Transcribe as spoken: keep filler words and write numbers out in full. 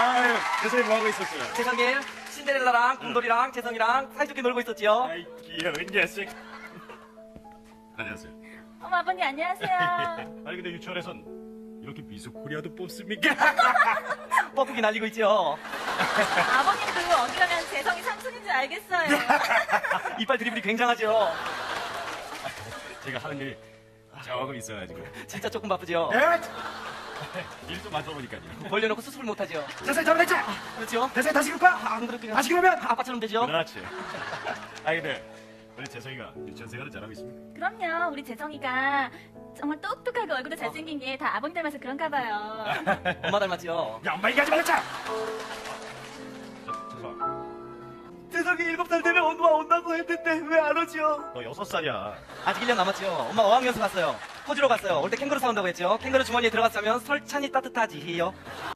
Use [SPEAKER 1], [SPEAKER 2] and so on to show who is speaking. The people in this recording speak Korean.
[SPEAKER 1] 아유, 재성이 뭐하고 있었어요?
[SPEAKER 2] 재성이 신데렐라랑 곰돌이랑 재성이랑 사이좋게 놀고 있었지요.
[SPEAKER 1] 아이, 귀여운 녀석. 안녕하세요.
[SPEAKER 3] 어머 아버님 안녕하세요.
[SPEAKER 1] 아니, 근데 유치원에선 이렇게 미스 코리아도 뽑습니까?
[SPEAKER 2] 뻐꾸기 날리고 있죠.
[SPEAKER 3] 아버님도 어디 가면 재성이 삼촌인 줄 알겠어요.
[SPEAKER 2] 이빨 드리블이 굉장하죠.
[SPEAKER 1] 제가 하는 일이 조금 있어가지고.
[SPEAKER 2] 진짜 조금 바쁘죠.
[SPEAKER 1] 일좀 맞춰보니까요.
[SPEAKER 2] 벌려놓고 수습을 못하죠.
[SPEAKER 1] 재성이 잘못했지?
[SPEAKER 2] 그렇죠.
[SPEAKER 1] 재성이 다시 그럴까?
[SPEAKER 2] 안 그렇게요.
[SPEAKER 1] 다시 그러면?
[SPEAKER 2] 아빠처럼 되죠.
[SPEAKER 1] 그렇지. 아니, 근데 우리 재성이가 유치원 생활을 잘하고 있습니까?
[SPEAKER 3] 그럼요. 우리 재성이가 정말 똑똑하고 얼굴도 잘생긴 게 다 아버님 닮아서 그런가 봐요.
[SPEAKER 2] 엄마 닮았죠.
[SPEAKER 1] 야, 엄마 얘기하지 말자! 재성아,
[SPEAKER 2] 재성이 일곱 살 되면 엄마 온다고 했는데 왜 안 오죠?
[SPEAKER 1] 너 여섯 살이야.
[SPEAKER 2] 아직 일 년 남았죠. 엄마 어학연수 갔어요. 호주로 갔어요. 올 때 캥거루 사온다고 했죠. 캥거루 주머니에 들어갔으면 설찬이 따뜻하지요.